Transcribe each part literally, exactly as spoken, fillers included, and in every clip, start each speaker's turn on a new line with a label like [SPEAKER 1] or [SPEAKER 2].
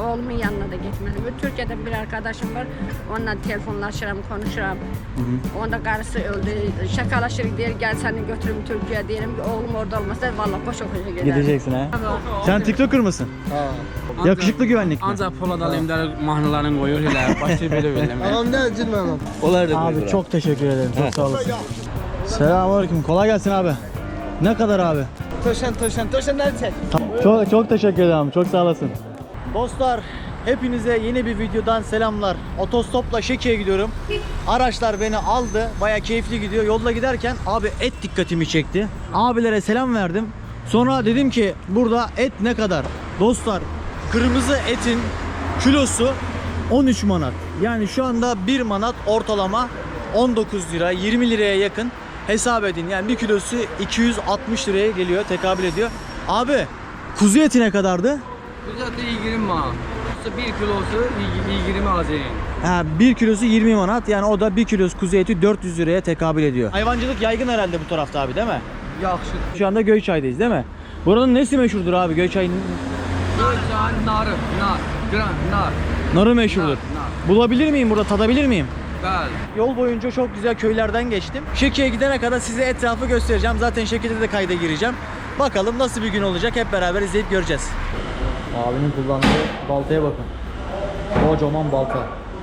[SPEAKER 1] Oğlumun yanına da gitmedim. Türkiye'de bir arkadaşım var. Onunla telefonlaşırım, konuşurum. Onda karısı öldü. Şakalaşırız diye gel seni götürürüm Türkiye'ye diyelim ki oğlum orada olmasa vallahi koşa koşa giderim.
[SPEAKER 2] Gideceksin ha. Sen TikToker mısın?
[SPEAKER 3] Ha.
[SPEAKER 2] Yakışıklı güvenlikli.
[SPEAKER 4] Ancaq Polad Alemdar mahnılarını qoyur elə, başqa belə bilməm.
[SPEAKER 3] Ağam ne cilmem?
[SPEAKER 2] Onlar da abi çok teşekkür ederim. Çok sağ olasın. Selamünaleyküm. Kolay gelsin abi. Ne kadar abi?
[SPEAKER 3] Töşen töşen töşenleri çek.
[SPEAKER 2] Çok çok teşekkür ederim. Çok sağ olasın. Dostlar, hepinize yeni bir videodan selamlar. Otostopla Şeki'ye gidiyorum. Araçlar beni aldı. Baya keyifli gidiyor. Yolda giderken abi et dikkatimi çekti. Abilere selam verdim. Sonra dedim ki burada et ne kadar? Dostlar, kırmızı etin kilosu on üç manat. Yani şu anda bir manat ortalama on dokuz lira, yirmi liraya yakın hesap edin. Yani bir kilosu iki yüz altmış liraya geliyor, tekabül ediyor. Abi, kuzu eti ne kadardı?
[SPEAKER 4] Bizdə iyirmi manat. bir kilosu iyirmi Azərin.
[SPEAKER 2] Ha, bir kilosu yirmi manat. Yani o da bir kilosu kuzu eti dört yüz liraya tekabül ediyor. Hayvancılık yaygın herhalde bu tarafta abi, değil mi?
[SPEAKER 4] Yaxşı.
[SPEAKER 2] Şu anda Göyçay'dayız, değil mi? Buranın nesi meşhurdur abi? Göyçay'ın
[SPEAKER 4] Göyçayın narı, nar, gran, nar.
[SPEAKER 2] narı meşhurdur.
[SPEAKER 4] Nar, nar.
[SPEAKER 2] Bulabilir miyim burada? Tadabilir miyim?
[SPEAKER 4] Bəli.
[SPEAKER 2] Yol boyunca çok güzel köylerden geçtim. Şeki'ye gidene kadar size etrafı göstereceğim. Zaten Şeki'de de kayda gireceğim. Bakalım nasıl bir gün olacak, hep beraber izleyip göreceğiz. Abinin kullandığı baltaya bakın. Kocaman balta.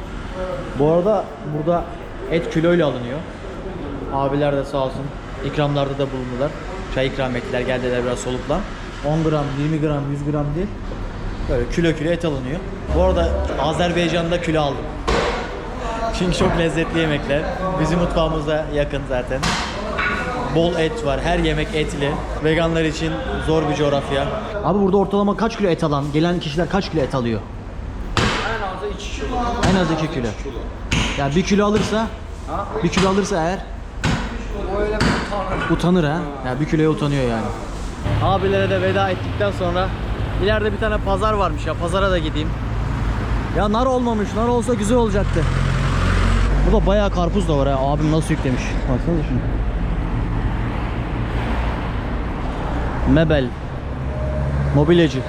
[SPEAKER 2] Bu arada burada et kiloyla alınıyor. Abiler de sağ olsun ikramlarda da bulundular. Çay ikram ettiler, geldiler biraz solukla. on gram, yirmi gram, yüz gram değil. Böyle kilo kilo et alınıyor. Bu arada Azerbaycan'da kilo aldım. Çünkü çok lezzetli yemekler. Bizim mutfağımıza yakın zaten. Bol et var. Her yemek etli. Veganlar için zor bir coğrafya. Abi burada ortalama kaç kilo et alan, gelen kişiler kaç kilo et alıyor?
[SPEAKER 4] En azı iki kilo.
[SPEAKER 2] En az iki kilo. Ya bir kilo alırsa, bir kilo alırsa eğer
[SPEAKER 4] O elə utanır.
[SPEAKER 2] utanır ha. Ya bir kiloya utanıyor yani. Abilere de veda ettikten sonra ileride bir tane pazar varmış ya. Pazara da gideyim. Ya nar olmamış. Nar olsa güzel olacaktı. Burada bayağı karpuz da var ha. Abim nasıl yüklemiş. Baksana şunu. Mebel. Mobilyacı.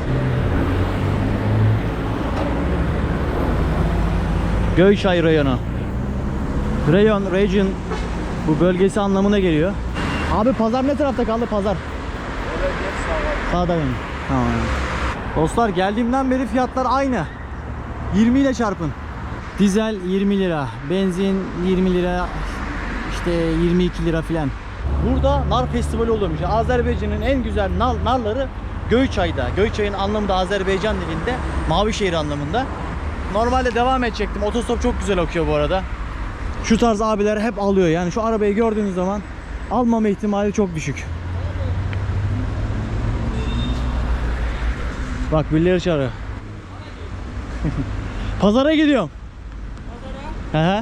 [SPEAKER 2] Göyçay rayonu. Rayon, region bu bölgesi anlamına geliyor. Abi pazar ne tarafta kaldı pazar? Sağda benim. Tamam. Dostlar geldiğimden beri fiyatlar aynı. yirmi ile çarpın. Dizel yirmi lira, benzin yirmi lira, işte yirmi iki lira filan. Burada nar festivali oluyormuş. Azerbaycan'ın en güzel nar, narları Göyçay'da. Göyçay'ın anlamı da Azerbaycan dilinde Mavişehir anlamında. Normalde devam edecektim. Otostop çok güzel okuyor bu arada. Şu tarz abiler hep alıyor. Yani şu arabayı gördüğünüz zaman almama ihtimali çok düşük. Bak birileri çağırıyor. Pazara gidiyorum. Pazara? Hı hı.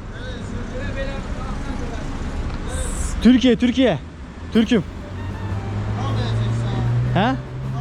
[SPEAKER 2] Türkiye, Türkiye. Türk'üm. He?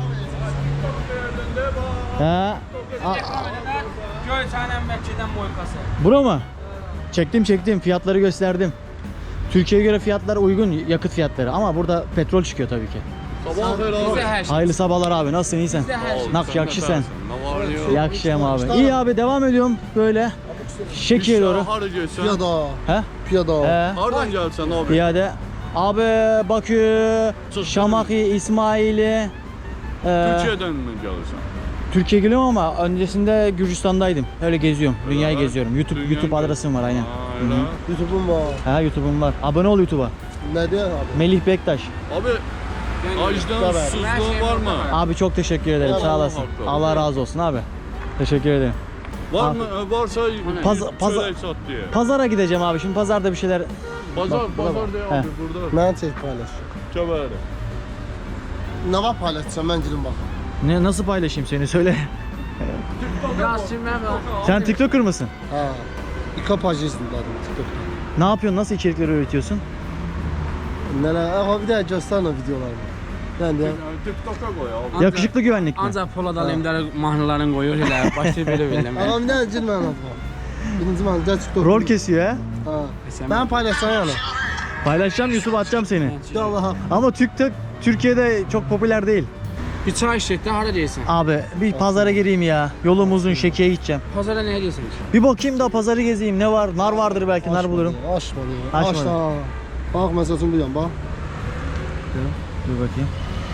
[SPEAKER 2] He?
[SPEAKER 4] Göyçayın Məkkədən boykası.
[SPEAKER 2] Bura mı? Çektim çektim, fiyatları gösterdim. Türkiye'ye göre fiyatlar uygun, yakıt fiyatları, ama burada petrol çıkıyor tabii ki.
[SPEAKER 4] Sabah xeyir.
[SPEAKER 2] Hayırlı sabahlar abi, nasılsın, iyisin? Nak yakşı sen. Yakşıyım abi. İyi abi, devam ediyorum böyle. Şekiye doğru.
[SPEAKER 5] Hara gelsən?
[SPEAKER 3] Piyada.
[SPEAKER 2] He?
[SPEAKER 3] Piyada.
[SPEAKER 2] He.
[SPEAKER 5] Hardan gəlsən abi?
[SPEAKER 2] Piyade. Abi Bakü, Şamaxı, İsmail'i. E,
[SPEAKER 5] Türkiyədən mi gəlirsən?
[SPEAKER 2] Türkiye geliyorum ama öncesinde Gürcistan'daydım. Öyle geziyorum. Dünyayı
[SPEAKER 5] Evet.
[SPEAKER 2] geziyorum. YouTube
[SPEAKER 5] Dünya
[SPEAKER 2] YouTube
[SPEAKER 5] gez-
[SPEAKER 2] adresim var aynen.
[SPEAKER 5] Aynen.
[SPEAKER 3] YouTube'um var.
[SPEAKER 2] Ha, YouTube'um var. Abone ol YouTube'a.
[SPEAKER 3] Ne diyor abi?
[SPEAKER 2] Melih Bektaş.
[SPEAKER 5] Abi, acdan susuzluğun var mı?
[SPEAKER 2] Abi çok teşekkür ederim. Sağ olasın.
[SPEAKER 5] hakkı.
[SPEAKER 2] Allah razı olsun abi. Teşekkür ederim.
[SPEAKER 5] Var mı? Varsa
[SPEAKER 2] Paz- paz-
[SPEAKER 5] çörək sat diye.
[SPEAKER 2] Pazara gideceğim abi. Şimdi pazarda bir şeyler.
[SPEAKER 5] Bazar,
[SPEAKER 2] Bak, buna bak.
[SPEAKER 5] bazar diye
[SPEAKER 2] He.
[SPEAKER 5] abi burada.
[SPEAKER 3] Ben çek paylaş.
[SPEAKER 5] Kəbəri.
[SPEAKER 3] Ne var paylaşacağım ben girin bak.
[SPEAKER 2] Ne, nasıl paylaşayım seni söyle.
[SPEAKER 4] Biraz çiməm var.
[SPEAKER 2] Sen TikToker mısın?
[SPEAKER 3] Ha. İka pajı izledim TikTok'ta.
[SPEAKER 2] Ne yapıyorsun? Nasıl içerikler üretiyorsun?
[SPEAKER 3] Neler? Aha bir daha gösterin o videolarını. Ben de.
[SPEAKER 5] TikTok'a qoy abi.
[SPEAKER 2] Yakışıklı güvenlik mi?
[SPEAKER 4] Ancaq Polad Alemdar mahnılarını qoyur elə, başqa belə bilməm.
[SPEAKER 3] Ağam ne girmem abla. Birinci ben de TikTok.
[SPEAKER 2] Rol kesiyor ha.
[SPEAKER 3] Ha. Ben paylaşacağım yani.
[SPEAKER 2] Paylaşacağım, YouTube'a atacağım seni.
[SPEAKER 3] Ya Allah.
[SPEAKER 2] Ama TikTok Türkiye'de çok popüler değil.
[SPEAKER 4] Bir çay içecek de hara deyirsən?
[SPEAKER 2] Abi bir pazara gireyim ya. Yolum uzun, Şeki'ye gideceğim.
[SPEAKER 4] Pazara nəyə deyirsən?
[SPEAKER 2] Bir bakayım da pazarı gezeyim. Ne var? Nar vardır belki, nar bulurum.
[SPEAKER 3] Açmadı.
[SPEAKER 2] Açmadı.
[SPEAKER 3] Aç da. Bak mesela bu yan bak.
[SPEAKER 2] Dur bakayım.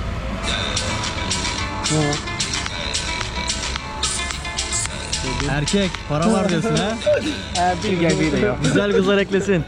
[SPEAKER 2] Erkek, para var diyorsun ha?
[SPEAKER 4] Bir gəl bir də yox.
[SPEAKER 2] Güzel kızlar eklesin.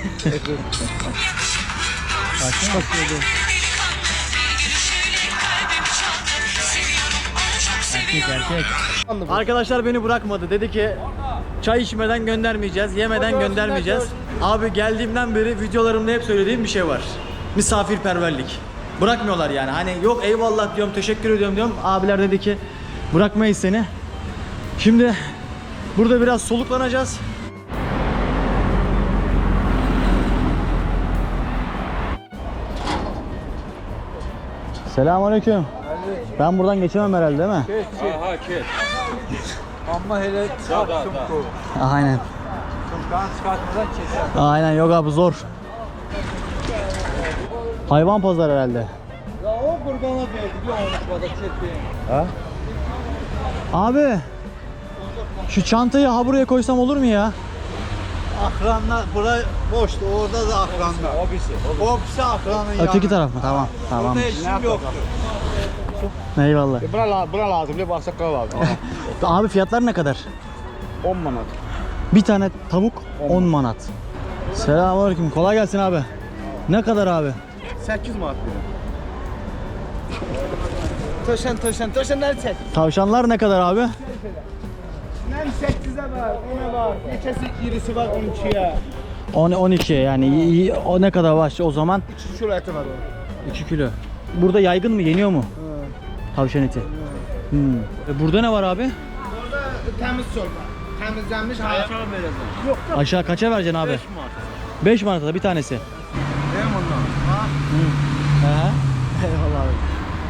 [SPEAKER 2] Erkek erkek. Arkadaşlar beni bırakmadı. Dedi ki çay içmeden göndermeyeceğiz, yemeden göndermeyeceğiz. Abi geldiğimden beri videolarımda hep söylediğim bir şey var. Misafirperverlik. Bırakmıyorlar yani. Hani yok eyvallah diyorum, teşekkür ediyorum diyorum. Abiler dedi ki bırakmayız seni. Şimdi burada biraz soluklanacağız. Selamünaleyküm. Ben buradan geçemem herhalde değil mi?
[SPEAKER 5] Aha kes.
[SPEAKER 4] Amma elə çıxartdım bu.
[SPEAKER 2] Aynen.
[SPEAKER 4] Qan çıxartmadan keçər.
[SPEAKER 2] Aynen yok abi zor. Hayvan pazarı herhalde.
[SPEAKER 4] Ya o qurbana verdi, bir olmuşmada çetdi.
[SPEAKER 2] Ha? Abi şu çantayı ha buraya koysam olur mu ya?
[SPEAKER 6] Akranlar bura boştu. Orada da akranlar.
[SPEAKER 4] O birisi.
[SPEAKER 6] O birisi akranın yanı.
[SPEAKER 2] Öteki taraf mı? Tamam. Tamam.
[SPEAKER 6] Burada işim yoktu.
[SPEAKER 2] Eyvallah.
[SPEAKER 4] Bura, bura lazım, bir bağırsaqlar lazım.
[SPEAKER 2] Abi fiyatlar ne kadar?
[SPEAKER 4] on manat.
[SPEAKER 2] Bir tane tavuk on manat. Selamünaleyküm. Kolay gelsin abi. Ne kadar abi?
[SPEAKER 4] səkkiz manat verir. Töşən, töşən, töşənləri çək.
[SPEAKER 2] Tavşanlar ne kadar abi?
[SPEAKER 6] Mən səkkizə var, ona var. Neçəsi irisi var on ikiyə.
[SPEAKER 2] on on iki yani y- o ne kadar var o zaman?
[SPEAKER 6] üç kilo əti var o.
[SPEAKER 2] iki kilo. Burada yaygın mı? Yeniyor mu? Tavşan eti. Hmm. E burada ne var abi?
[SPEAKER 6] Orada təmiz çorba. Təmizlənmiş hayat. Yok da
[SPEAKER 2] Aşağı kaça vereceksin abi? beş manata da bir tanesi.
[SPEAKER 6] deyim ondan. Ha?
[SPEAKER 2] He. Eyvallah abi.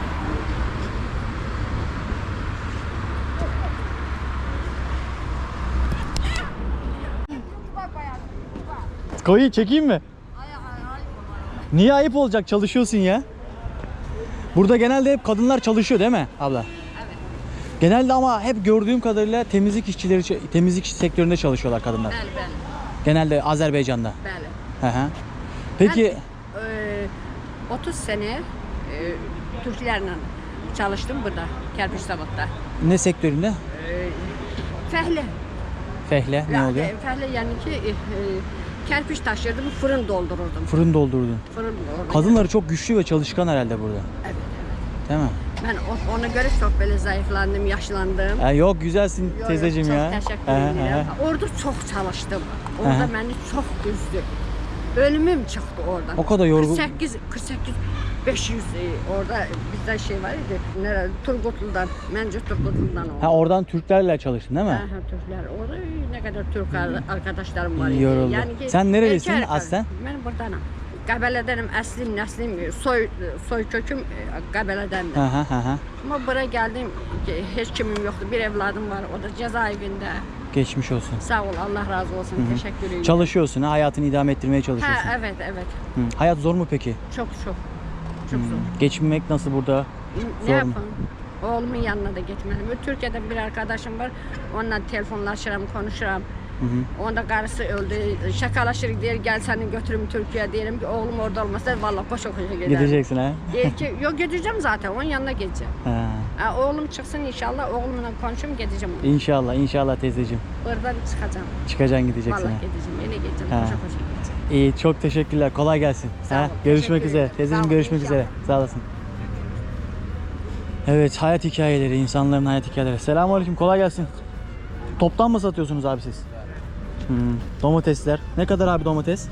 [SPEAKER 2] Koyu çekeyim mi? Niye ayıp olacak? Çalışıyorsun ya. Burada genelde hep kadınlar çalışıyor değil mi abla? Evet. Genelde ama hep gördüğüm kadarıyla temizlik işçileri, temizlik sektöründe çalışıyorlar kadınlar.
[SPEAKER 1] Bəli, bəli,
[SPEAKER 2] Genelde Azerbaycan'da.
[SPEAKER 1] bəli.
[SPEAKER 2] Hı hı. Peki
[SPEAKER 1] Ben, e, otuz sene e, Türklerle çalıştım burada, Kerpiç Zavod'da.
[SPEAKER 2] ne sektöründe?
[SPEAKER 1] E, Fəhlə.
[SPEAKER 2] Fehle ne
[SPEAKER 1] Ya,
[SPEAKER 2] oluyor?
[SPEAKER 1] e, Fəhlə yani ki e, e, kerpiç taşırdım, fırın doldururdum.
[SPEAKER 2] Fırın doldurdun.
[SPEAKER 1] Fırın orada.
[SPEAKER 2] Kadınları çok güçlü ve çalışkan herhalde burada.
[SPEAKER 1] Evet, evet.
[SPEAKER 2] Değil mi?
[SPEAKER 1] Ben o- ona göre çok böyle zayıflandım, yaşlandım.
[SPEAKER 2] Ha, yok güzelsin
[SPEAKER 1] Yo, yo,
[SPEAKER 2] teyzeciğim ya.
[SPEAKER 1] Çok teşekkür
[SPEAKER 2] Hı hı,
[SPEAKER 1] ederim.
[SPEAKER 2] hı.
[SPEAKER 1] Orada çok çalıştım. Orada
[SPEAKER 2] Aha.
[SPEAKER 1] beni çok üzdü. Ölümüm çıktı oradan.
[SPEAKER 2] O kadar yorgun-
[SPEAKER 1] kırk sekiz, kırk sekiz, beş yüz e, orada bizde şey var idi. Nerede? Turgutlu'dan. Bence Turgutlu'dan oldu.
[SPEAKER 2] Ha oradan Türklerle çalıştın değil mi?
[SPEAKER 1] Aha, Türkler. Orada ne kadar Türk ar- arkadaşlarım var idi.
[SPEAKER 2] Yoruldu.
[SPEAKER 1] ki
[SPEAKER 2] Sen nerelisin
[SPEAKER 1] erkek-
[SPEAKER 2] aslen?
[SPEAKER 1] Ben buradanım. Qəbələdenim, əslim, nəslim, soy soy köküm e, Qəbələdəndir.
[SPEAKER 2] Hı hı hı hı.
[SPEAKER 1] Ama buraya geldim ki heç kimim yoktu. Bir evladım var. O da cezaevinde.
[SPEAKER 2] Geçmiş olsun.
[SPEAKER 1] Sağ ol. Allah razı olsun. Teşekkür ederim.
[SPEAKER 2] Çalışıyorsun ha, hayatını idame ettirmeye çalışıyorsun.
[SPEAKER 1] Ha, evet evet.
[SPEAKER 2] Hı. Hayat zor mu peki?
[SPEAKER 1] Çok çok. Çok zor.
[SPEAKER 2] Geçinmek nasıl burada?
[SPEAKER 1] Ne
[SPEAKER 2] Zor mu?
[SPEAKER 1] yapalım? Oğlumun yanına da gitmedim. Türkiye'de bir arkadaşım var. Onunla telefonlaşırım, konuşurum. Onda karısı öldü. Şakalaşırıq deyir, gel seni götürüm Türkiye'ye diyelim ki oğlum orada olmasa vallahi koşa koşa giderim.
[SPEAKER 2] Gideceksin ha?
[SPEAKER 1] Deyir ki yok gideceğim zaten onun yanına gideceğim.
[SPEAKER 2] Ha.
[SPEAKER 1] Ha, oğlum çıksın inşallah oğlumla konuşayım gideceğim.
[SPEAKER 2] İnşallah, inşallah teyzeciğim.
[SPEAKER 1] Oradan çıkacağım.
[SPEAKER 2] Çıkacaksın gideceksin
[SPEAKER 1] Vallahi
[SPEAKER 2] ha.
[SPEAKER 1] gideceğim. Yine gideceğim.
[SPEAKER 2] Ha.
[SPEAKER 1] Koşa koşa gideceğim.
[SPEAKER 2] İyi, çok teşekkürler. Kolay gelsin.
[SPEAKER 1] Sağ
[SPEAKER 2] Ha?
[SPEAKER 1] ol,
[SPEAKER 2] Görüşmek
[SPEAKER 1] teşekkür
[SPEAKER 2] üzere.
[SPEAKER 1] ederim.
[SPEAKER 2] Teyzeciğim
[SPEAKER 1] Sağ ol,
[SPEAKER 2] görüşmek
[SPEAKER 1] inşallah.
[SPEAKER 2] üzere. Sağ olasın. Evet, hayat hikayeleri, insanların hayat hikayeleri. Selamünaleyküm, kolay gelsin. Toptan mı satıyorsunuz abi siz? Hmm. Domatesler. Ne kadar abi domates?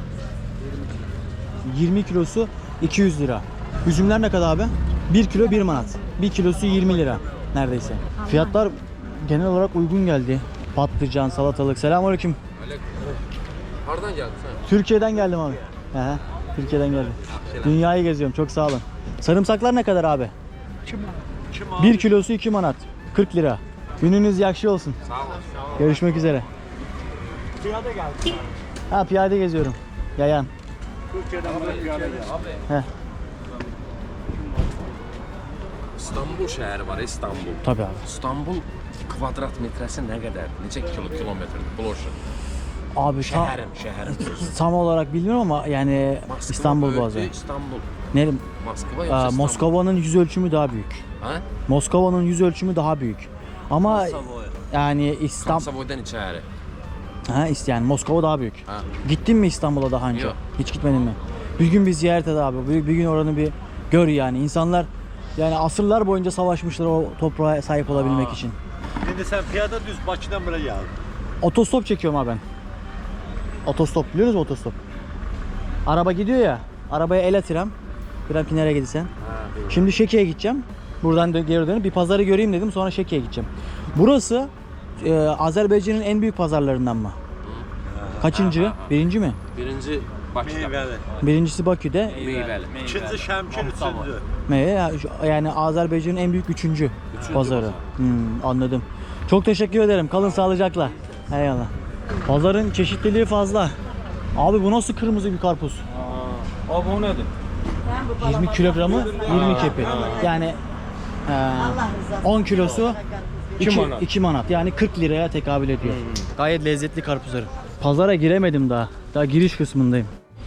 [SPEAKER 2] yirmi kilosu iki yüz lira. Üzümler ne kadar abi? bir kilo bir manat. bir kilosu yirmi lira neredeyse. Fiyatlar genel olarak uygun geldi. Patlıcan, salatalık. Selamünaleyküm.
[SPEAKER 5] Hardan geldin sen?
[SPEAKER 2] Türkiye'den geldim abi. Aha, Türkiye'den geldim. Dünyayı geziyorum. Çok sağ olun. Sarımsaklar ne kadar abi? bir kilosu iki manat. kırk lira. Gününüz yakşı olsun.
[SPEAKER 5] Sağ ol.
[SPEAKER 2] Görüşmek üzere.
[SPEAKER 6] Piyade geldi.
[SPEAKER 2] Ha piyade geziyorum. Yayan.
[SPEAKER 6] Türkiye'den buraya piyade geldi.
[SPEAKER 2] Heh.
[SPEAKER 7] İstanbul şəhəri var, İstanbul.
[SPEAKER 2] Tabii abi.
[SPEAKER 7] İstanbul kvadrat metrəsi nə qədər? Neçə kilo kilometrdir? Plощадь.
[SPEAKER 2] Abi tam,
[SPEAKER 7] Şəhərim, şəhərim.
[SPEAKER 2] tam olarak bilmiyorum ama yani
[SPEAKER 7] Moskva
[SPEAKER 2] İstanbul
[SPEAKER 7] böyükdür,
[SPEAKER 2] bazı.
[SPEAKER 7] İstanbul.
[SPEAKER 2] Ne?
[SPEAKER 7] Moskva
[SPEAKER 2] Aa,
[SPEAKER 7] yoxsa İstanbul?
[SPEAKER 2] Moskova'nın yüz ölçümü daha büyük.
[SPEAKER 7] Ha?
[SPEAKER 2] Moskova'nın yüz ölçümü daha büyük. Ama yani İstanbul
[SPEAKER 7] Komsavoydan içəri.
[SPEAKER 2] ha ist- yani Moskova daha büyük.
[SPEAKER 7] Ha.
[SPEAKER 2] Gittin mi İstanbul'a daha önce?
[SPEAKER 7] Yok.
[SPEAKER 2] Hiç gitmedin mi? Bir gün bir ziyaret et abi. Bir, bir gün oranı bir gör yani. İnsanlar yani asırlar boyunca savaşmışlar o toprağa sahip olabilmek için.
[SPEAKER 8] Şimdi sen piyada düz Bakı'dan buraya geldin.
[SPEAKER 2] Otostop çekiyorum abi ben. Otostop biliyor musun otostop? Araba gidiyor ya. Arabaya el atıram. Bir ki nereye gideceksin? Şimdi Şeki'ye gideceğim. Buradan dö- geri dönüp bir pazarı göreyim dedim. Sonra Şeki'ye gideceğim. Burası e, Azerbaycan'ın en büyük pazarlarından mı? Kaçıncı? Birinci mi?
[SPEAKER 7] Birinci Bakıda.
[SPEAKER 8] Meyveli.
[SPEAKER 2] Birincisi Bakü'de.
[SPEAKER 7] Meyvəli.
[SPEAKER 8] İkinci Şemkir, üçüncü.
[SPEAKER 2] Meyve ya- şu- yani Azerbaycan'ın en büyük üçüncü, pazarı. Hmm, anladım. Çok teşekkür ederim. Kalın sağlıcakla. Eyvallah. Pazarın çeşitliliği fazla. Abi bu nasıl kırmızı bir karpuz?
[SPEAKER 4] Abi o nedir?
[SPEAKER 2] yirmi kilogramı yirmi kepi. Yani e, on kilosu iki
[SPEAKER 4] manat.
[SPEAKER 2] iki manat. Yani kırk liraya tekabül ediyor. Gayet lezzetli karpuzları. Pazara giremedim daha. Daha giriş kısmındayım.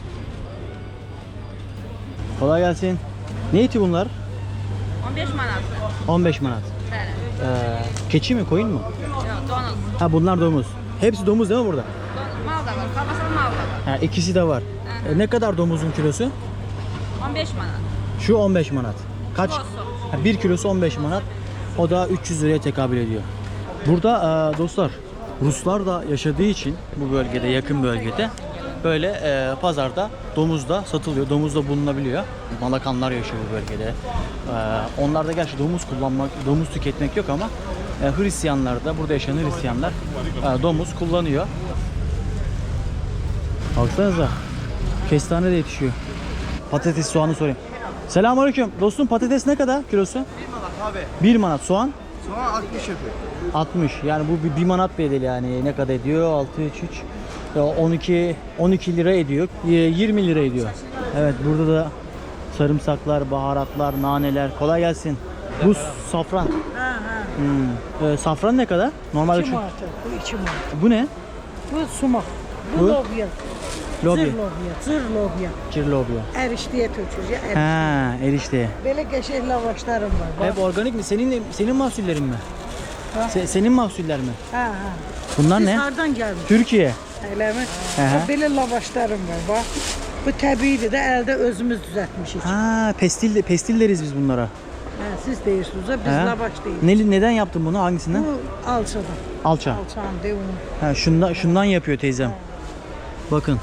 [SPEAKER 2] Kolay gelsin. Ne eti bunlar?
[SPEAKER 1] on beş manat.
[SPEAKER 2] on beş manat.
[SPEAKER 1] Bəli.
[SPEAKER 2] Ee, keçi mi, koyun mu?
[SPEAKER 1] Yox, donuz.
[SPEAKER 2] Ha bunlar domuz. Hepsi domuz değil mi burada?
[SPEAKER 1] Donuz mal da var, kalmasın mal da var.
[SPEAKER 2] Ha ikisi de var. E, ne kadar domuzun kilosu?
[SPEAKER 1] on beş manat.
[SPEAKER 2] Şu on beş manat. Kaç?
[SPEAKER 1] Kilosu.
[SPEAKER 2] Ha, bir kilosu on beş manat. O da üç yüz liraya tekabül ediyor. Burada e, dostlar Ruslar da yaşadığı için bu bölgede, yakın bölgede böyle e, pazarda domuz da satılıyor. Domuz da bulunabiliyor. Malakanlar yaşıyor bu bölgede. E, onlarda gerçi domuz kullanmak, domuz tüketmek yok ama e, Hristiyanlar da, burada yaşayan Hristiyanlar e, domuz kullanıyor. Baksanıza. Kestane de yetişiyor. Patates, soğanı sorayım. Selamünaleyküm. Dostum patates ne kadar kilosu? bir manat abi. bir manat. Soğan?
[SPEAKER 3] Soğan altmış yapıyor.
[SPEAKER 2] altmış. Yani bu bir, bir manat bedeli yani. Ne kadar ediyor? altı, üç, üç. on iki, on iki lira ediyor. yirmi lira ediyor. Evet burada da sarımsaklar, baharatlar, naneler. Kolay gelsin. Bu safran. Hmm. Ee, safran ne kadar? Normalde
[SPEAKER 9] İki
[SPEAKER 2] şu.
[SPEAKER 9] manat, bu iki manat.
[SPEAKER 2] Bu ne?
[SPEAKER 9] Bu sumak. Bu,
[SPEAKER 2] Bu?
[SPEAKER 9] lobya.
[SPEAKER 2] Lobi.
[SPEAKER 9] Zır lobya, zır lobya.
[SPEAKER 2] Cirlobya.
[SPEAKER 9] Erişteye tökülür. Eriş.
[SPEAKER 2] Ha, erişte.
[SPEAKER 9] Böyle qəşəng lavaşlarım var. Bak.
[SPEAKER 2] Hep organik mi? Senin senin mahsullerin mi? Se- senin mahsuller mi?
[SPEAKER 9] Ha ha.
[SPEAKER 2] Bunlar
[SPEAKER 9] Siz
[SPEAKER 2] ne?
[SPEAKER 9] hardan gəlmiş?
[SPEAKER 2] Türkiye.
[SPEAKER 9] Eləmi?
[SPEAKER 2] Hı hı.
[SPEAKER 9] Bax, Belə lavaşlarım var. Bak. Bu təbiidir də, əldə özümüz düzəltmişik. Ha.
[SPEAKER 2] Ha, pestil pestil deriz biz bunlara.
[SPEAKER 9] Siz deyirsiniz, ha, biz
[SPEAKER 2] Ha?
[SPEAKER 9] lavaş deyirik.
[SPEAKER 2] Ne, neden yaptın bunu? Hangisinden?
[SPEAKER 9] Bu alçadan.
[SPEAKER 2] Alça.
[SPEAKER 9] Alçağın de onu.
[SPEAKER 2] Ha, şundan şundan yapıyor teyzem. Bakın.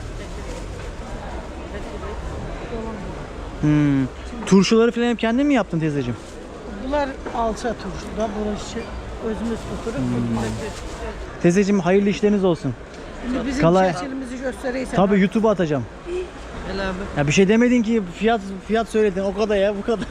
[SPEAKER 2] Hmm. Turşuları falan hep kendin mi yaptın teyzeciğim?
[SPEAKER 9] Bunlar alça turşu da. Burası özümüz tuturup. Hmm.
[SPEAKER 2] Teyzeciğim hayırlı işleriniz olsun.
[SPEAKER 9] Şimdi bizim
[SPEAKER 2] Kalay-
[SPEAKER 9] şəkilimizi göstərəysən.
[SPEAKER 2] Tabii YouTube'a atacağım. Ya bir şey demedin ki, fiyat fiyat söyledin o kadar ya, bu kadar.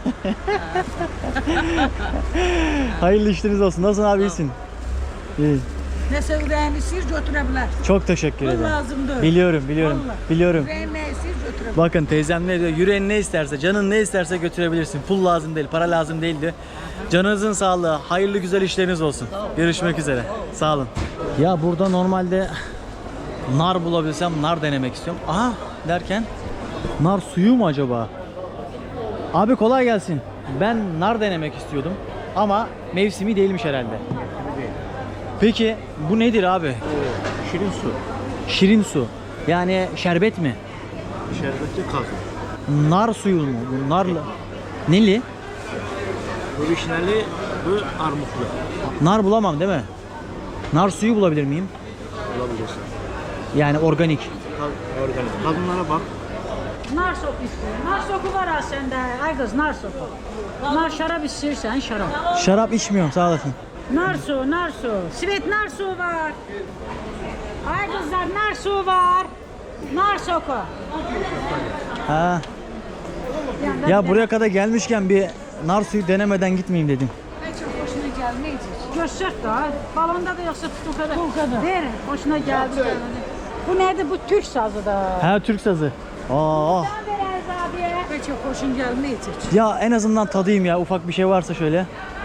[SPEAKER 2] Hayırlı işleriniz olsun. Nasılsın abi, iyisin? İyi.
[SPEAKER 9] Nəsə ürəyini istəyir götürə bilər.
[SPEAKER 2] Çok teşekkür
[SPEAKER 9] Bu
[SPEAKER 2] ederim.
[SPEAKER 9] lazım deyil.
[SPEAKER 2] Biliyorum, biliyorum.
[SPEAKER 9] Vallahi.
[SPEAKER 2] Biliyorum.
[SPEAKER 9] Ürəyin nə istəyir götürə bilər.
[SPEAKER 2] Bakın teyzem ne diyor? Yüreğin ne isterse, canın ne isterse götürebilirsin. Pul lazım değil, para lazım değildi. Canınızın sağlığı, hayırlı güzel işleriniz olsun. Görüşmek üzere. Sağ olun. Ya burada normalde nar bulabilsem nar denemek istiyorum. Aha derken nar suyu mu acaba? Abi kolay gelsin. Ben nar denemek istiyordum ama mevsimi değilmiş herhalde. Peki bu nedir abi?
[SPEAKER 8] Şirin su.
[SPEAKER 2] Şirin su. Yani şerbet mi?
[SPEAKER 8] Şerbetli kazı.
[SPEAKER 2] Nar suyu mu? Bu narlı. Neli?
[SPEAKER 8] Bu vişneli, bu armutlu.
[SPEAKER 2] Nar bulamam değil mi? Nar suyu bulabilir miyim?
[SPEAKER 8] Olabilirsin.
[SPEAKER 2] Yani organik.
[SPEAKER 8] Kal- Organik. Kadınlara bak.
[SPEAKER 9] Nar sopu istəyir. Nar sopu var ha səndə. Ay qız, nar sopu. Nar şarab istəyirsən, şarab.
[SPEAKER 2] Şarap içmiyorum, sağ olasın.
[SPEAKER 9] Nar su, nar su. Svet nar su var. Ay qızlar, nar su var. Nar soku.
[SPEAKER 2] Ha. Ya buraya kadar gelmişken bir nar suyu denemeden gitmeyeyim dedim.
[SPEAKER 9] Ay çox xoşuna gəlməyəcək. Göstər da. Balonda da yoxsa pulkada? Pulkada. Ver, xoşuna gəldi. Bu nədir? Bu Türk sazı da.
[SPEAKER 2] Ha, Türk sazı. Aa.
[SPEAKER 9] Sen ver Erz abiye. Hiç hoşun gelmeyecek.
[SPEAKER 2] Ya en azından tadayım ya, ufak bir şey varsa şöyle.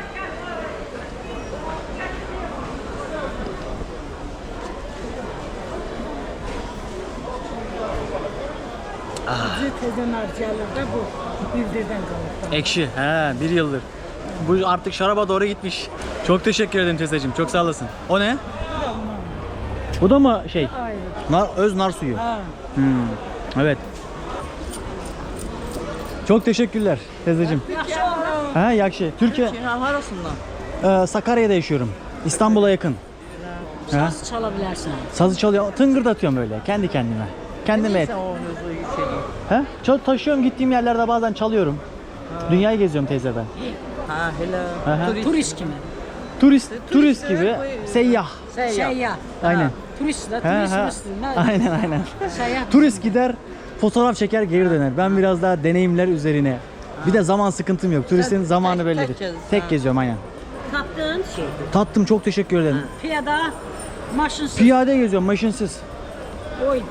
[SPEAKER 9] Bizi tezden harcayalar da bu bildirden kalır.
[SPEAKER 2] Ekşi. He, bir yıldır. Bu artık şaraba doğru gitmiş. Çok teşekkür ederim teyzeciğim. Çok sağ olasın. O ne? Bu da mı şey?
[SPEAKER 9] Ayrı.
[SPEAKER 2] Nar, öz nar suyu.
[SPEAKER 9] Ha.
[SPEAKER 2] Hmm. Evet. Çok teşekkürler teyzeciğim. Ha, yakşı. Türkiye. Ee, Sakarya'da yaşıyorum. İstanbul'a yakın. Ha?
[SPEAKER 9] Saz çalabilirsin.
[SPEAKER 2] Sazı çalıyor, tıngırdatıyorum böyle kendi kendime. Kendime et. He? Çal taşıyorum, gittiğim yerlerde bazen çalıyorum. Dünyayı geziyorum teyze ben.
[SPEAKER 4] Ha hele.
[SPEAKER 2] Aha.
[SPEAKER 9] Turist kimi?
[SPEAKER 2] Turist, turist gibi seyyah.
[SPEAKER 9] Seyyah.
[SPEAKER 2] Aynen.
[SPEAKER 9] Turist de
[SPEAKER 2] He,
[SPEAKER 9] turist
[SPEAKER 2] he.
[SPEAKER 9] misin?
[SPEAKER 2] Aynen aynen.
[SPEAKER 9] Seyyah.
[SPEAKER 2] Turist gider, fotoğraf çeker, geri döner. Ben biraz daha deneyimler üzerine. Bir de zaman sıkıntım yok. Turistin zamanı bellidir. Tek geziyorum aynen.
[SPEAKER 9] Tattığın şey.
[SPEAKER 2] Tattım, çok teşekkür ederim.
[SPEAKER 9] Piyada, maşınsız.
[SPEAKER 2] Piyade geziyorum, maşinsiz.
[SPEAKER 9] Oyda.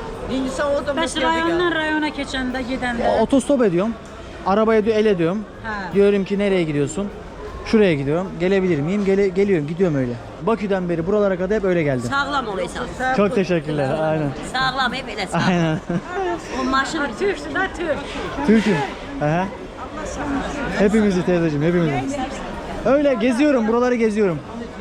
[SPEAKER 9] Bəs rayondan rayona keçəndə, gedəndə.
[SPEAKER 2] Otostop ediyorum. Arabaya diyor, el ediyorum.
[SPEAKER 9] Ha.
[SPEAKER 2] Diyorum ki nereye gidiyorsun? Şuraya gidiyorum. Gelebilir miyim? Gele, geliyorum, gidiyorum öyle. Bakü'den beri buralara kadar hep öyle geldim.
[SPEAKER 10] Sağlam olaysan.
[SPEAKER 2] Çok teşekkürler. Aynen.
[SPEAKER 10] Sağlam hep elə sağlam.
[SPEAKER 2] Aynen.
[SPEAKER 10] O maşın
[SPEAKER 9] Türksün ha Türk.
[SPEAKER 2] Türk'üm. Aha. Hepimizi teyzeciğim, hepimizi. Öyle geziyorum, buraları geziyorum.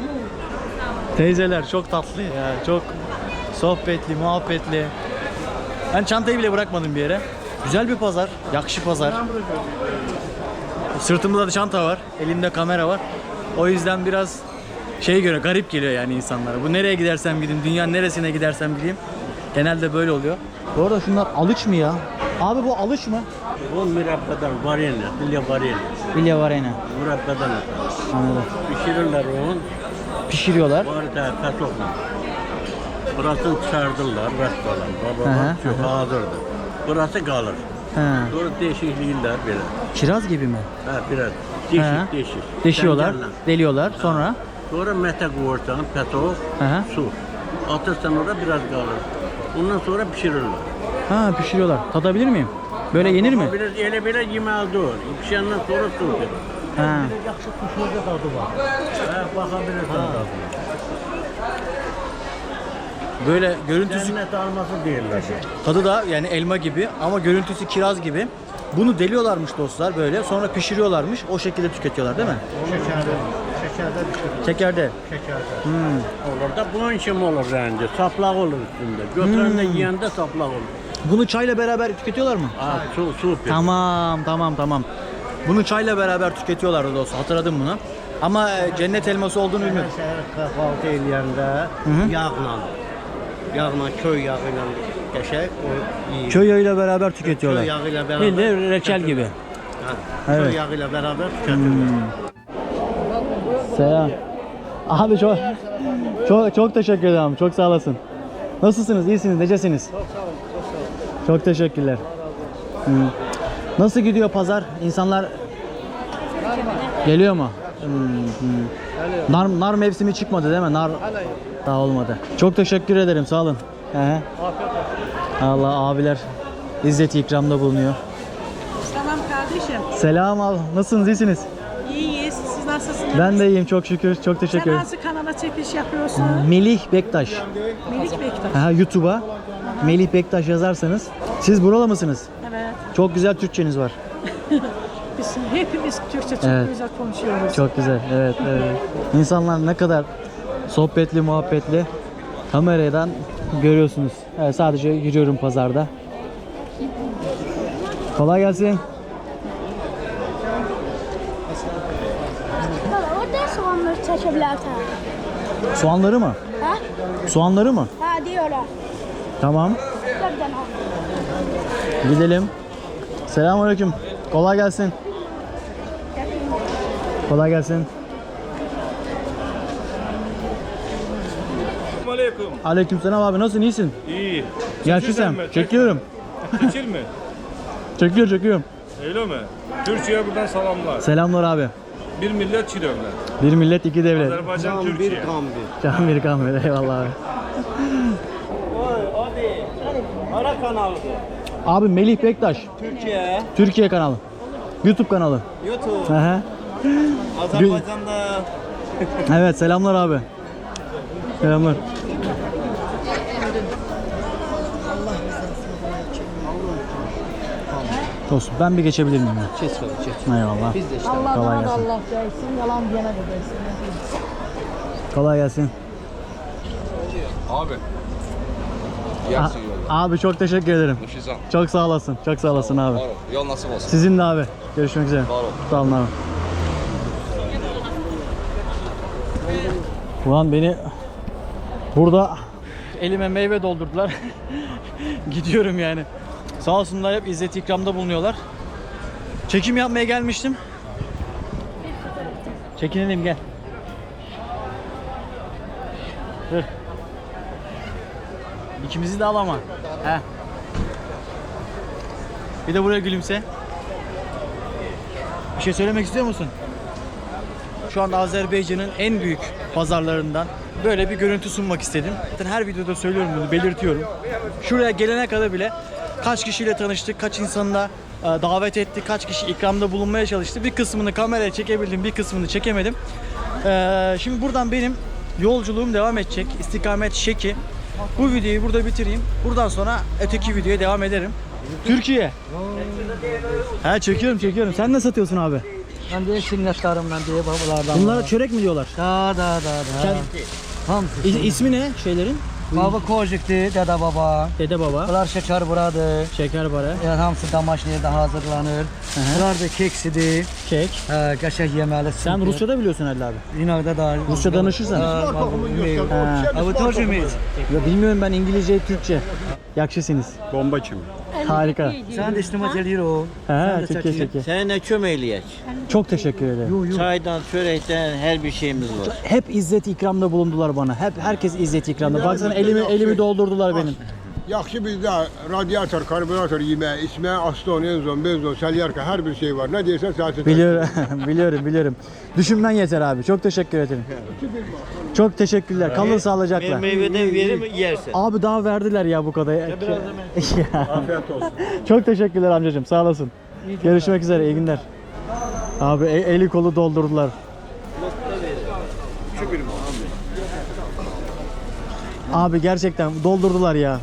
[SPEAKER 2] Teyzeler çok tatlı ya. Çok sohbetli, muhabbetli. Ben çantayı bile bırakmadım bir yere. Güzel bir pazar, yakışı pazar. Sırtımda da çanta var, elimde kamera var. O yüzden biraz şey göre garip geliyor yani insanlara. Bu nereye gidersem gideyim, dünyanın neresine gidersem gideyim. Genelde böyle oluyor. Bu arada şunlar alıç mı ya? Abi bu alıç mı?
[SPEAKER 8] Bu mürabbadan varene, bilya varene.
[SPEAKER 2] Bilye var yine.
[SPEAKER 8] Mürabbadan
[SPEAKER 2] Anladım.
[SPEAKER 8] pişirirler onu.
[SPEAKER 2] Pişiriyorlar.
[SPEAKER 8] Var da kasokla. Burasını çıkardılar restoran.
[SPEAKER 2] Hı hı,
[SPEAKER 8] Baba çok hazırdı. Burası kalır.
[SPEAKER 2] He.
[SPEAKER 8] Sonra değişikliğiler böyle.
[SPEAKER 2] Kiraz gibi mi?
[SPEAKER 8] Ha biraz
[SPEAKER 2] He.
[SPEAKER 8] değişik değişik.
[SPEAKER 2] Deşiyorlar,
[SPEAKER 8] Tencerle.
[SPEAKER 2] deliyorlar. Sonra
[SPEAKER 8] Sonra mete koyarsan peto,
[SPEAKER 2] Hı hı.
[SPEAKER 8] su. Atırsan orada biraz kalır. Ondan sonra pişirirler.
[SPEAKER 2] ha pişiriyorlar. Tadabilir miyim? Böyle yenir mi?
[SPEAKER 8] Biraz ele böyle yemeğe doğru. Pişenden sonra su verir.
[SPEAKER 2] Ha.
[SPEAKER 8] Yakşı pişirde tadı var. Ha, bakabilirsin tadına.
[SPEAKER 2] Böyle görüntüsü,
[SPEAKER 8] Cennet alması değiller.
[SPEAKER 2] tadı da yani elma gibi ama görüntüsü kiraz gibi. Bunu deliyorlarmış dostlar böyle. Sonra pişiriyorlarmış. O şekilde tüketiyorlar değil mi?
[SPEAKER 8] Şekerde, şekerde pişirir.
[SPEAKER 2] Şekerde.
[SPEAKER 8] Şekerde.
[SPEAKER 2] Hmm.
[SPEAKER 8] Olur da bunun için olur rende. Saplak olur üstünde. Götüren de yiyende saplak olur.
[SPEAKER 2] Bunu çayla beraber tüketiyorlar mı?
[SPEAKER 8] Aa, su, su pek.
[SPEAKER 2] Tamam, tamam, tamam. Bunu çayla beraber tüketiyorlardı dostlar. Hatırladım bunu. Ama e, cennet elması olduğunu bilmiyorum.
[SPEAKER 8] Kahvaltı eləyəndə
[SPEAKER 2] hı.
[SPEAKER 8] yağla, yağla, köy yağı ilə qəşəng o yiyir.
[SPEAKER 2] Köy yağıyla beraber tüketiyorlar.
[SPEAKER 8] Köy yağı ilə beraber.
[SPEAKER 2] Bildiğin reçel gibi.
[SPEAKER 8] Ha,
[SPEAKER 2] Evet.
[SPEAKER 8] köy yağı ilə beraber tüketiyorlar.
[SPEAKER 2] Selam. Abi çok çok çok teşekkür ederim. Çok sağ olasın. Nasılsınız? İyisiniz? Necesiniz? Çok sağ olun. Çok sağ olun. Çok teşekkürler. Hmm. Nasıl gidiyor pazar? İnsanlar geliyor mu? Hmm, hmm. Nar, nar mevsimi çıkmadı değil mi? Nar daha olmadı. Çok teşekkür ederim. Sağ olun. He. Allah abiler izzet ikramda bulunuyor.
[SPEAKER 9] Selam kardeşim.
[SPEAKER 2] Selam abi. Nasılsınız? İyisiniz?
[SPEAKER 9] İyiyiz. Siz nasılsınız?
[SPEAKER 2] Ben de iyiyim. Çok şükür. Çok teşekkür
[SPEAKER 9] Sen
[SPEAKER 2] ederim.
[SPEAKER 9] nasıl kanala çekiş yapıyorsun?
[SPEAKER 2] Melih Bektaş.
[SPEAKER 9] Melik Bektaş.
[SPEAKER 2] Ha, YouTube'a Melih Bektaş yazarsanız. Siz buralı mısınız?
[SPEAKER 9] Evet.
[SPEAKER 2] Çok güzel Türkçeniz var.
[SPEAKER 9] Biz hepimiz Türkçe çok
[SPEAKER 2] Evet.
[SPEAKER 9] güzel konuşuyoruz.
[SPEAKER 2] Çok güzel. Evet, evet. İnsanlar ne kadar sohbetli, muhabbetli. Kameradan görüyorsunuz. Evet, sadece yürüyorum pazarda. Kolay gelsin.
[SPEAKER 11] Orada soğanları çekebilirsin.
[SPEAKER 2] Soğanları mı?
[SPEAKER 11] Ha?
[SPEAKER 2] Soğanları mı?
[SPEAKER 11] Ha diyorlar.
[SPEAKER 2] Tamam.
[SPEAKER 11] Buradan al.
[SPEAKER 2] Gidelim. Selamünaleyküm. Kolay gelsin. Kolay gelsin.
[SPEAKER 5] Aleyküm.
[SPEAKER 2] Aleykümselam abi, nasılsın? İyisin?
[SPEAKER 5] İyi.
[SPEAKER 2] Gel şu sen. Çekiyorum.
[SPEAKER 5] Seçil mi?
[SPEAKER 2] Çekiyor, çekiyorum.
[SPEAKER 5] Öyle mi? Türkiye'ye buradan selamlar.
[SPEAKER 2] Selamlar abi.
[SPEAKER 5] Bir millet çirevler.
[SPEAKER 2] Bir millet, iki devlet.
[SPEAKER 5] Azerbaycan, Türkiye.
[SPEAKER 8] Kan bir.
[SPEAKER 2] Can bir kan ver. Eyvallah abi.
[SPEAKER 8] Oy, hadi. Ara kanalıdır.
[SPEAKER 2] Abi Melih Bektaş.
[SPEAKER 6] Türkiye,
[SPEAKER 2] Türkiye kanalı. YouTube kanalı.
[SPEAKER 6] YouTube,
[SPEAKER 2] Hı hı.
[SPEAKER 6] Azerbaycan'da.
[SPEAKER 2] Evet selamlar abi. Selamlar. Dostum ben bir geçebilir miyim? ya?
[SPEAKER 6] Çeç çeç.
[SPEAKER 2] Eyvallah.
[SPEAKER 6] Biz de işte.
[SPEAKER 2] Kolay gelsin.
[SPEAKER 3] Allah değsin, yalan diyene de değsin.
[SPEAKER 2] Kolay gelsin.
[SPEAKER 7] Abi.
[SPEAKER 2] A-
[SPEAKER 7] Yersin yolu.
[SPEAKER 2] abi çok teşekkür ederim.
[SPEAKER 7] Nuşizan.
[SPEAKER 2] Çok sağ olasın. Çok sağ olasın abi.
[SPEAKER 7] Var ol. Yol nasip olsun.
[SPEAKER 2] Sizin de abi. Görüşmek üzere.
[SPEAKER 7] Var ol.
[SPEAKER 2] Sağ olun abi. Ulan beni burada elime meyve doldurdular. Gidiyorum yani. Sağ olsunlar hep izzet ikramda bulunuyorlar. Çekim yapmaya gelmiştim. Çekinelim gel. Dur. İkimizi de al ama. He. Bir de buraya gülümse. Bir şey söylemek istiyor musun? Şu anda Azerbaycan'ın en büyük pazarlarından böyle bir görüntü sunmak istedim. Zaten her videoda söylüyorum bunu, belirtiyorum. Şuraya gelene kadar bile kaç kişiyle tanıştık, kaç insanla e, davet ettik, kaç kişi ikramda bulunmaya çalıştı. Bir kısmını kameraya çekebildim, bir kısmını çekemedim. E, şimdi buradan benim yolculuğum devam edecek. İstikamet Şeki. Bu videoyu burada bitireyim. Buradan sonra öteki videoya devam ederim. Türkiye. He çekiyorum çekiyorum. Sen ne satıyorsun abi?
[SPEAKER 4] Ben de sünnetlerimden diye babalardan.
[SPEAKER 2] Bunlara çörek mi diyorlar?
[SPEAKER 4] Da da da da.
[SPEAKER 2] Kend-
[SPEAKER 4] Hamsi.
[SPEAKER 2] İ- ismi ne şeylerin?
[SPEAKER 4] Baba kojikti, dede baba.
[SPEAKER 2] Dede baba.
[SPEAKER 4] Bunlar şeker buradı.
[SPEAKER 2] Şeker bara.
[SPEAKER 4] Yani hamsi damaşniyede hazırlanır. Bunlar da keksidir.
[SPEAKER 2] Kek.
[SPEAKER 4] He, kaşık yemeli.
[SPEAKER 2] Sen Rusça da biliyorsun herhalde abi.
[SPEAKER 4] İnakda da.
[SPEAKER 2] Rusça danışırsan.
[SPEAKER 4] Ha. Abi tercümeyiz.
[SPEAKER 2] Ya bilmiyorum ben İngilizce, Türkçe. Yakışısınız.
[SPEAKER 8] Bomba kim?
[SPEAKER 2] Harika.
[SPEAKER 4] Sen de iştimat ediyor o.
[SPEAKER 2] He, çeke çeke.
[SPEAKER 8] Sen ne çömeyleyek?
[SPEAKER 2] Çok teşekkür ederim.
[SPEAKER 8] Çaydan, çörekten her bir şeyimiz var.
[SPEAKER 2] Hep izzet ikramda bulundular bana. Hep herkes izzet ikramda. Baksana elimi elimi doldurdular benim.
[SPEAKER 6] Yaxşı bizdə radiator, karburator yeməyi, içməyə, aston, enzon, benzon, selyarka hər bir şey var. Nə deyirsən səhəsin.
[SPEAKER 2] Biliyorum, biliyorum, biliyorum. Düşümden yeter abi. Çok teşekkür ederim. Çok teşekkürler. Kalın sağlıcakla.
[SPEAKER 8] Meyveden verim yersin.
[SPEAKER 2] Abi daha verdiler ya bu kadar. Ya.
[SPEAKER 6] Afiyet olsun.
[SPEAKER 2] Çok teşekkürler amcacığım. Sağ olasın. Görüşmek üzere. İyi günler. Abi e- eli kolu doldurdular. Abi gerçekten doldurdular ya.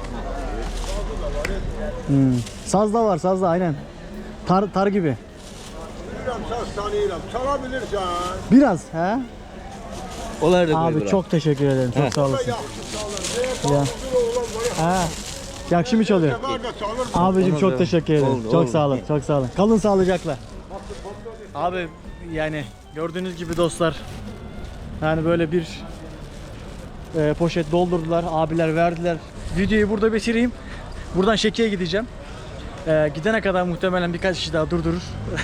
[SPEAKER 2] Hmm. Saz da var, saz da aynen. Tar tar gibi.
[SPEAKER 6] Bilirəm, saz tanıyıram. Çala bilirsən.
[SPEAKER 2] Biraz he?
[SPEAKER 8] Onlar da
[SPEAKER 2] Abi çok teşekkür ederim. Çok sağ olasın.
[SPEAKER 6] Yaxşı çalır.
[SPEAKER 2] Ya. Ha. Yakşı mı çalıyor?
[SPEAKER 6] Var da çalır.
[SPEAKER 2] Abicim çok teşekkür ederim.
[SPEAKER 8] Oldu,
[SPEAKER 2] çok
[SPEAKER 8] oldu.
[SPEAKER 2] sağ olun. Çok sağ olun. Kalın sağlıcakla. Abi yani gördüğünüz gibi dostlar. Yani böyle bir e, poşet doldurdular. Abiler verdiler. Videoyu burada bitireyim. Buradan Şeki'ye gideceğim. E, gidene kadar muhtemelen birkaç kişi daha durdurur.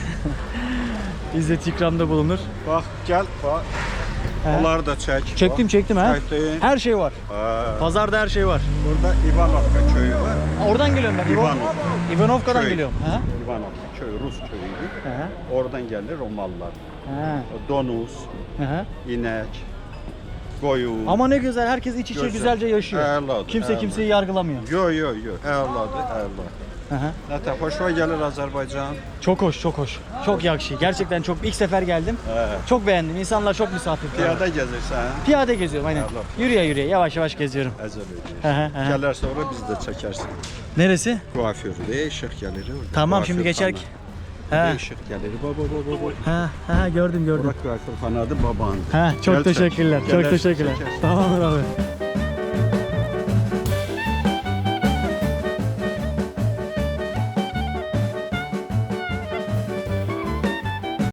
[SPEAKER 2] İzzet ikramda bulunur.
[SPEAKER 8] Bak gel bak.
[SPEAKER 2] He.
[SPEAKER 8] Onları da çek.
[SPEAKER 2] Çektim çektim ha.
[SPEAKER 8] Çektin.
[SPEAKER 2] Her şey var.
[SPEAKER 8] Ha.
[SPEAKER 2] Pazarda her şey var.
[SPEAKER 8] Burada Ivanovka köyü var.
[SPEAKER 2] Oradan geliyorum ben.
[SPEAKER 8] İvanov.
[SPEAKER 2] Ivanovka'dan
[SPEAKER 8] Köy.
[SPEAKER 2] geliyorum. Ha?
[SPEAKER 8] Ivanovka köyü Rus köyüydü.
[SPEAKER 2] Ha.
[SPEAKER 8] Oradan gelir Romalılar.
[SPEAKER 2] Ha.
[SPEAKER 8] Donuz,
[SPEAKER 2] Ha.
[SPEAKER 8] inek, koyun.
[SPEAKER 2] Ama ne güzel herkes iç içe
[SPEAKER 8] Güzel.
[SPEAKER 2] güzelce yaşıyor.
[SPEAKER 8] Evladım,
[SPEAKER 2] Kimse
[SPEAKER 8] evladım.
[SPEAKER 2] kimseyi yargılamıyor.
[SPEAKER 8] Yo yo yo. Evladı, evladı.
[SPEAKER 2] Hı hı.
[SPEAKER 8] Zaten hoşuma gelir Azerbaycan.
[SPEAKER 2] Çok hoş, çok hoş. Çok yakışı. Gerçekten çok ilk sefer geldim.
[SPEAKER 8] He.
[SPEAKER 2] Çok beğendim. İnsanlar çok misafirperver.
[SPEAKER 8] Piyada gezirsen.
[SPEAKER 2] Piyade geziyorum aynen.
[SPEAKER 8] Evlat.
[SPEAKER 2] Yürüye yürüye yavaş yavaş geziyorum.
[SPEAKER 8] Ezel
[SPEAKER 2] Hı hı,
[SPEAKER 8] öyle.
[SPEAKER 2] hı hı.
[SPEAKER 8] Gelir sonra biz de çekersin.
[SPEAKER 2] Neresi?
[SPEAKER 8] Kuaförde ışık gelir orada.
[SPEAKER 2] Tamam şimdi
[SPEAKER 8] Kuaförxana.
[SPEAKER 2] geçer. Ha.
[SPEAKER 8] Işık gelir. Baba baba baba.
[SPEAKER 2] Ha, ha gördüm gördüm.
[SPEAKER 8] Burak kuaförxanadı baban.
[SPEAKER 2] Ha çok
[SPEAKER 8] Gel çek.
[SPEAKER 2] teşekkürler. Çok
[SPEAKER 8] Gelersin,
[SPEAKER 2] teşekkürler.
[SPEAKER 8] çekersin.
[SPEAKER 2] Tamamdır abi.